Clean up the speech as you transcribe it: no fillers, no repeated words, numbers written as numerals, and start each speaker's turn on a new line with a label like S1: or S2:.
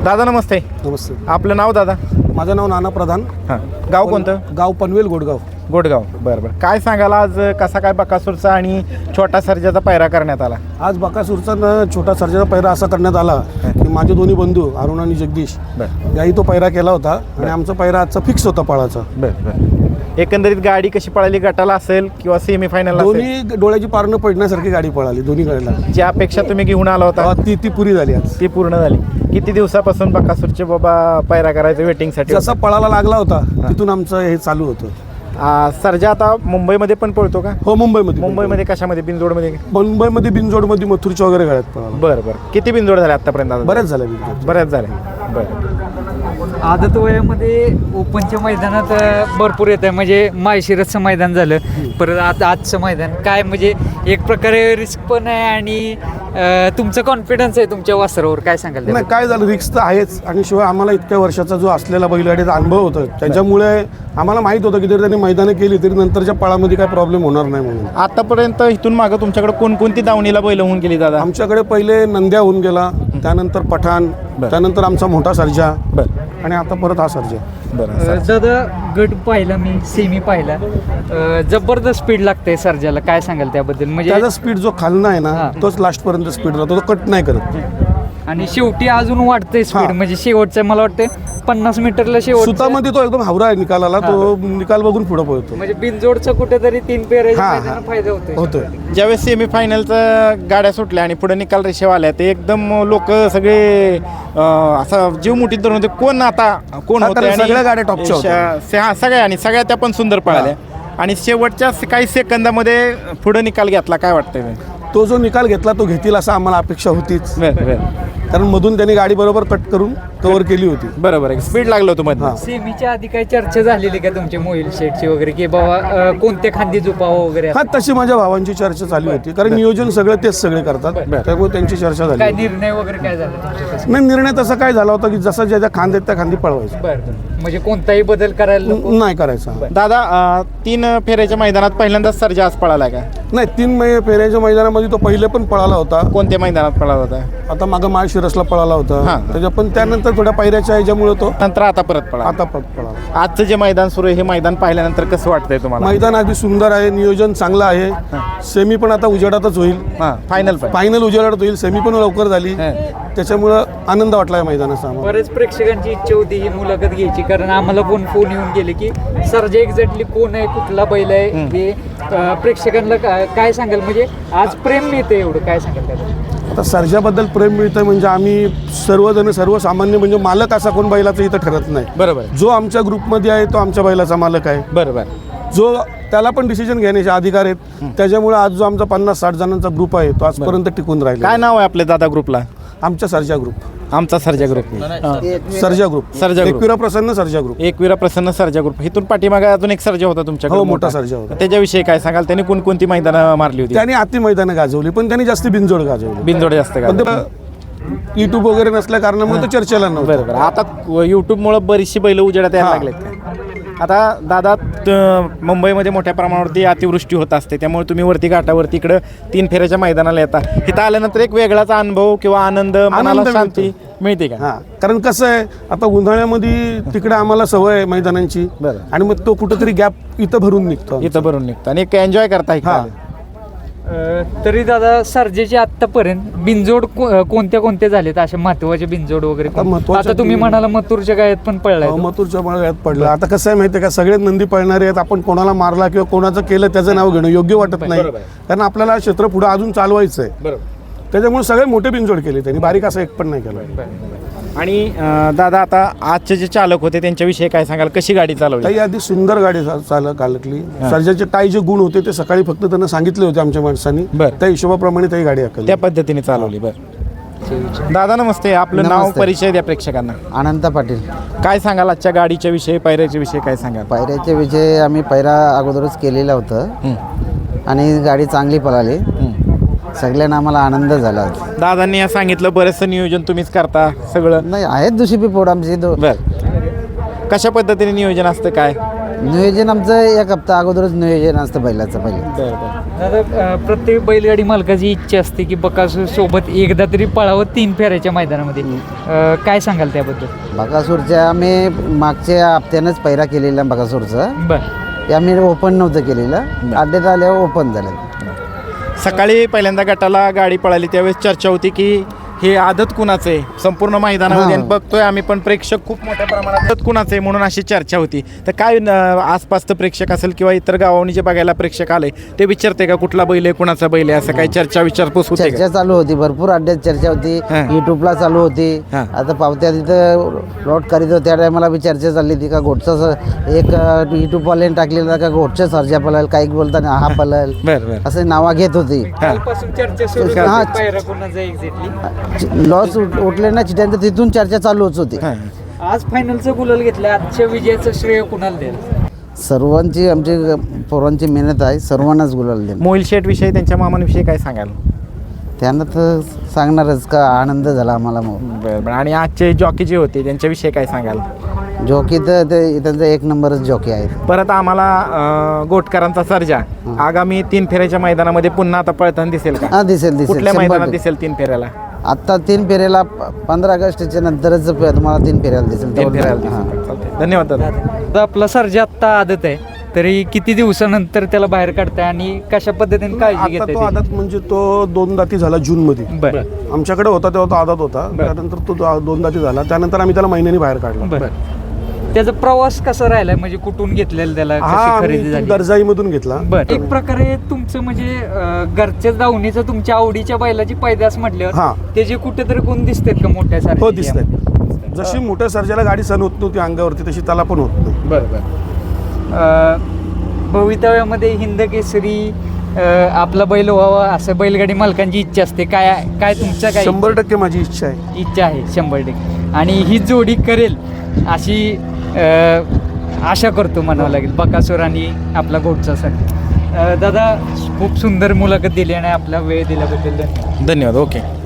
S1: दादा नमस्ते.
S2: नमस्ते.
S1: आपलं नाव दादा?
S2: माझं नाव नाना प्रधान.
S1: हां. गाव कोणतं?
S2: गाव पनवेल गोडगाव.
S1: गोडगाव. बरं बरं. काय सांगाल आज कसा काय बकासूरचा आणि छोटा सर्जाचा पैरा करण्यात आला?
S2: आज बकासूरचा छोटा सर्जाचा पैरा असा करण्यात आला की माझे दोन्ही बंधू अरुण आणि जगदीश याही तो पैरा केला होता आणि आमचा पैरा आजचा फिक्स होता पळाचा.
S1: बरं बरं. एकंदरीत गाडी कशी पळाली, गटाला असेल किंवा सेमीफायनल?
S2: दोन्ही डोळ्याची पारणं पडण्यासारखी गाडी पळाली दोन्ही गाडीला.
S1: जी अपेक्षा तुम्ही घेऊन आला होता
S2: ती पुरी झाली आज.
S1: ती पूर्ण झाली. किती दिवसापासून बकासूरचे बाबा पैरा करायचं वेटिंगसाठी?
S2: जसा पळाला लागला होता तिथून आमचं हे चालू होतं.
S1: सर्जा आता मुंबईमध्ये पण पळतो का?
S2: हो, मुंबईमध्ये.
S1: मुंबईमध्ये कशामध्ये? बिनजोडमध्ये?
S2: मुंबईमध्ये बिनजोडमध्ये मथुरच्या वगैरे गाड्यात पळाला.
S1: बरं बरं. किती बिनजोड झाले आतापर्यंत?
S2: बऱ्याच झाल्या बिनजोड.
S1: बऱ्याच झाले. बरं.
S3: आदत वयामध्ये ओपनच्या मैदानात भरपूर येत आहे, म्हणजे माळशिरसचं मैदान झालं, परत आजचं मैदान काय, म्हणजे एक प्रकारे रिस्क पण आहे आणि तुमचं कॉन्फिडन्स आहे तुमच्या वासरावर, काय सांगाल?
S2: नाही, काय झालं, रिस्क तर आहेच आणि शिवाय आम्हाला इतक्या वर्षाचा जो असलेला बैलगाडीचा अनुभव होता त्याच्यामुळे आम्हाला माहीत होतं की जर त्यांनी मैदानं केली तरी नंतरच्या पळामध्ये काय प्रॉब्लेम होणार नाही म्हणून.
S1: आतापर्यंत इथून मागं तुमच्याकडे कोणकोणती दावणीला बैल होऊन गेली दादा?
S2: आमच्याकडे पहिले नंद्या होऊन गेला, त्यानंतर पठाण, त्यानंतर आमचा मोठा सर्जा आणि आता परत हा सर्जा.
S1: बरं.
S3: दादा गट पाहिला मी, सेमी पाहिला, जबरदस्त स्पीड लागते सर्जाला, काय सांगाल त्याबद्दल? म्हणजे
S2: त्याचा स्पीड जो खालना आहे ना तोच लास्ट पर्यंत स्पीड राहतो, तो कट नाही करत
S3: आणि शेवटी अजून वाढतंय स्पीड, म्हणजे शेवटचं मला वाटतं 50 मीटरला शेवट
S2: सुतामध्ये तो एकदम हावरा आहे निकालाला, तो निकाल बघून पुढे पळतो.
S3: म्हणजे बिनजोडचं कुठेतरी 3 पेरायचा फायदा होतो.
S1: ज्यावेळेस सेमीफायनलचा गाड्या सुटल्या आणि पुढे निकाल रेषेवर आल्या ते एकदम लोक सगळे असं जीव मुठीत धरून होते, कोण आता कोण होतं?
S2: सगळ्या गाड्या टॉपच्या होत्या.
S1: सगळ्या आणि सगळ्या त्या पण सुंदर पळाल्या आणि शेवटच्या काही सेकंदामध्ये पुढे निकाल घेतला. काय वाटतंय?
S2: तो जो निकाल घेतला तो घेतील असं आम्हाला अपेक्षा होतीच, कारण मधून त्यांनी गाडी बरोबर कट करून कव्हर केली होती.
S1: बरोबर आहे, स्पीड लागलं होतं मध्ये.
S3: सेमीच्या आधी काही चर्चा झालेली का तुमच्या मोहिल शेटची वगैरे, की बाबा कोणत्या खांदी झोपावं वगैरे?
S2: हा, तशी माझ्या भावांची चर्चा झाली होती, कारण नियोजन सगळं तेच सगळे करतात, त्यामुळे त्यांची चर्चा झाली.
S3: काय निर्णय वगैरे काय झाला?
S2: नाही, निर्णय तसा काय झाला होता की जसं ज्या खांद आहेत त्या खांदी पळवायचं.
S3: म्हणजे कोणताही बदल करायला
S2: नाही करायचा.
S1: दादा 3 फेऱ्याच्या मैदानात पहिल्यांदाच सर्जा आज पळाला का?
S2: नाही, 3 फेऱ्याच्या मैदानामध्ये तो पहिले पण पळाला होता.
S1: कोणत्या मैदानात पळाला होता?
S2: आता मागं माळशिरसला पळाला होता, त्याच्या पण त्यानंतर थोड्या पायऱ्याच्या ह्याच्यामुळे तो
S1: नंतर आता परत पळाला.
S2: पळाला.
S1: आजचं जे मैदान सुरू आहे हे मैदान पाहिल्यानंतर कसं वाटतंय तुम्हाला?
S2: मैदान अगदी सुंदर आहे, नियोजन चांगलं आहे. सेमी पण आता उजेडातच होईल, फायनल उजेडात होईल, सेमी पण लवकर झाली, त्याच्यामुळं आनंद वाटला या मैदानाचा.
S3: बरेच प्रेक्षकांची इच्छा होती ही मुलाखत घ्यायची, कारण आम्हाला पण फोन येऊन गेले की सर्जा एक्झॅक्टली कोण आहे, कुठला बैल आहे, हे प्रेक्षकांना काय सांगाल? म्हणजे आज प्रेम मिळते एवढं, काय सांगाल त्याला?
S2: आता सर्जाबद्दल प्रेम मिळतं म्हणजे आम्ही सर्वजण सर्वसामान्य म्हणजे मालक असा कोण बैलाचं इथं ठरत नाही.
S1: बरोबर.
S2: जो आमच्या ग्रुपमध्ये आहे तो आमच्या बैलाचा मालक आहे.
S1: बरोबर.
S2: जो त्याला पण डिसिजन घेण्याचे अधिकार आहेत, त्याच्यामुळे आज जो आमचा 50-60 जणांचा ग्रुप आहे तो आजपर्यंत टिकून राहिला.
S1: काय नाव आहे आपल्या दादा ग्रुपला?
S2: आमच्या सर्जा ग्रुप.
S1: आमचा सर्जा ग्रुप.
S2: सर्जा ग्रुप. एकविरा प्रसन्न सर्जा ग्रुप.
S1: एकविरा प्रसन्न सर्जा ग्रुप. इथून पाठीमागे अजून एक सर्जा होता तुमच्याकडे?
S2: हो, मोठा सर्जा होता.
S1: त्याच्याविषयी काय सांगाल? त्यांनी कोणकोणती मैदानं मारली होती?
S2: त्यांनी अति मैदानं गाजवली, पण त्यांनी जास्त बिनजोड गाजवली.
S1: बिनजोड जास्त का?
S2: युट्यूब वगैरे नसल्या कारणामुळे तो चर्चेला नव्हतं.
S1: बरोबर. आता युट्यूबमुळे बरीचशी बैल उजेडात यायला लागलेत. आता दादा मुंबईमध्ये मोठ्या प्रमाणावरती अतिवृष्टी होत असते, त्यामुळे तुम्ही वरती घाटावरती इकडं 3 फेऱ्याच्या मैदानाला येता. इथं आल्यानंतर एक वेगळाच अनुभव किंवा आनंद, मनाला शांती मिळते का?
S2: कारण कसं आहे, आता उन्हाळ्यामध्ये तिकडे आम्हाला सवय आहे मैदानांची, आणि मग तो कुठंतरी गॅप इथं भरून निघतो
S1: आणि एक एन्जॉय करता.
S3: तरी दादा सर्जेचे आतापर्यंत बिनजोड कोणत्या झालेत असे महत्वाचे बिनजोड वगैरे? आता तुम्ही म्हणाला मथुरच्या गायत पण पडलाय.
S2: मथुरच्या गायत पडलं. आता कसं आहे माहिती आहे का, सगळे नंदी पळणारे आहेत, आपण कोणाला मारला किंवा कोणाचं केलं त्याचं नाव घेणं योग्य वाटत नाही, कारण आपल्याला क्षेत्र पुढे अजून चालवायचं आहे. त्याच्यामुळे सगळे मोठे बिनजोड केले त्यांनी, बारीक असं एक पण नाही केलं.
S1: आणि दादा आता आजचे जे चालक होते त्यांच्याविषयी काय सांगाल? कशी गाडी चालवली?
S2: काही आधी सुंदर गाडी चालकली. सर्जाचे काही जे गुण होते ते सकाळी फक्त त्यांना सांगितले होते आमच्या माणसांनी, त्या हिशोबाप्रमाणे ती गाडी हाकलली,
S1: त्या पद्धतीने चालवली. बरं. दादा नमस्ते. आपलं नाव, परिचय द्या प्रेक्षकांना.
S4: अनंत पाटील.
S1: काय सांगाल आजच्या गाडीच्या विषयी, पैऱ्याच्या विषयी काय सांगाल?
S4: पैऱ्याच्या विषयी आम्ही पैरा अगोदरच केलेला होतं आणि गाडी चांगली पळाली, सगळ्यांना आम्हाला आनंद झाला.
S1: दादांनी सांगितलं बरंचसं नियोजन तुम्हीच करता सगळं?
S4: नाही, आहेत दुसरी पोड आमची.
S1: बरं. कशा पद्धतीने नियोजन असतं काय?
S4: नियोजन आमचं एक हप्ता अगोदरच नियोजन असतं बैलाचं पहिले.
S3: दादा प्रत्येक बैलगाडी मालकाची इच्छा असते की बकासूर सोबत एकदा तरी पळावं 3 फेऱ्याच्या मैदानामध्ये. काय सांगाल त्याबद्दल?
S4: बकासूरच्या आम्ही मागच्या हप्त्यानंच पैरा केलेला बकासूरचा.
S3: बर
S4: ते आम्ही ओपन नव्हतं केलेलं, अड्ड्यात आल्यावर ओपन झालं.
S1: सकाळी पहिल्यांदा गटाला गाडी पळाली त्यावेळेस चर्चा होती की हे आदत कुणाचं आहे संपूर्ण मैदानामध्ये, आणि बघतोय आम्ही पण प्रेक्षक खूप मोठ्या प्रमाणात आदत कुणाचं आहे म्हणून अशी चर्चा होती. तर काय आसपासचं प्रेक्षक असेल किंवा इतर गावावरून जे बघायला प्रेक्षक आले ते विचारते का कुठला बैल आहे कुणाचा बैल आहे, असं काही चर्चा विचारपूस होते का?
S4: चर्चा चालू होती, भरपूर अड्ड्यात चर्चा होती,
S1: हां.
S4: युट्यूबला चालू होती.
S1: हां.
S4: आता पावत्या तिथं लॉट करीत होत्या, त्या टायमाला बी चर्चा चालली होती का घोटचा एक युट्यूबवाल्याने टाकलेला का घोटचा सर्जा पळेल, काही बोलताना हा पळेल,
S1: बरं बरं
S4: असं नावा घेत होती.
S3: कालपासून चर्चा सुरू
S4: हां.
S3: झाली, पायरा कोणाचा एक्झॅक्टली.
S4: लॉस उठले ना चिट्यांचं, तिथून चर्चा चालूच होती.
S1: हां.
S3: आज फायनलचं गुलाल घेतलं, आजच्या विजयाचं श्रेय कुणाला द्याल?
S4: सर्वांची आमची पोरांची मेहनत आहे, सर्वांनाच गुलाल दे.
S1: मोहिल शेठ विषयी त्यांच्या मामांविषयी काय सांगाल?
S4: त्यांना तर सांगणारच का आनंद झाला आम्हाला. मग
S1: बरं बरं. आणि आजचे जॉकी जे होते त्यांच्याविषयी काय सांगाल?
S4: जॉकी तर ते त्यांचा एक नंबरच जॉकी आहे.
S1: परत आम्हाला गोटकरांचा सर्जा आगामी 3 फेऱ्याच्या मैदानामध्ये पुन्हा आता पळताना दिसेल का?
S4: हा दिसेल दिसेल,
S1: कुठल्या
S4: 100%.
S1: मैदानात दिसेल 3 फेऱ्याला?
S4: आता 3 फेऱ्याला 15 ऑगस्टच्या नंतरच तुम्हाला 3 फेऱ्याला दिसेल.
S1: 3 फेऱ्याला
S4: हां.
S1: दिसेल. चालतंय. धन्यवाद दादा.
S3: आता आपला सर्जा आत्ता आदत आहे, तरी किती दिवसानंतर त्याला बाहेर काढताय आणि कशा पद्धतीने काळजी
S2: आता
S3: घेताय
S2: तो
S3: ते?
S2: आदात म्हणजे तो 2 दाती झाला जूनमध्ये.
S3: बरं
S2: आमच्याकडे होता तेव्हा तो आदात होता, त्यानंतर तो 2 दाती झाला, त्यानंतर आम्ही त्याला महिन्यानी बाहेर काढला.
S3: बरं. त्याचा प्रवास कसा राहिलाय, म्हणजे कुठून घेतलेला त्याला,
S2: हा
S3: कशी खरेदी
S2: आम्ही
S3: झाली?
S2: दर्जाईमधून घेतला.
S3: बरं. एक प्रकारे तुमचं म्हणजे घरच्या दावणीचं तुमच्या आवडीच्या बैलाची पैदास म्हटल्यावर
S2: हां.
S3: त्याचे कुठेतरी कोण दिसतात का मोठ्या सारखे?
S2: हो दिसतंय. जशी मोठ्या सर्जाला गाडी सण होत नव्हती अंगावरती, तशी त्याला पण होत नाही.
S3: बरं बरं. भवितव्यामध्ये हिंद केसरी आपला बैल व्हावा असं बैलगाडी मालकांची इच्छा असते. काय काय तुमच्या काय
S2: 100% माझी इच्छा आहे.
S3: इच्छा आहे? 100%. आणि ही जोडी करेल अशी आशा करतो म्हणावं लागेल, बकासूर आणि आपला घोटचासाठी. दादा खूप सुंदर मुलाखत दिली आणि आपला वेळ दिल्याबद्दल धन्यवाद.
S1: धन्यवाद. ओके.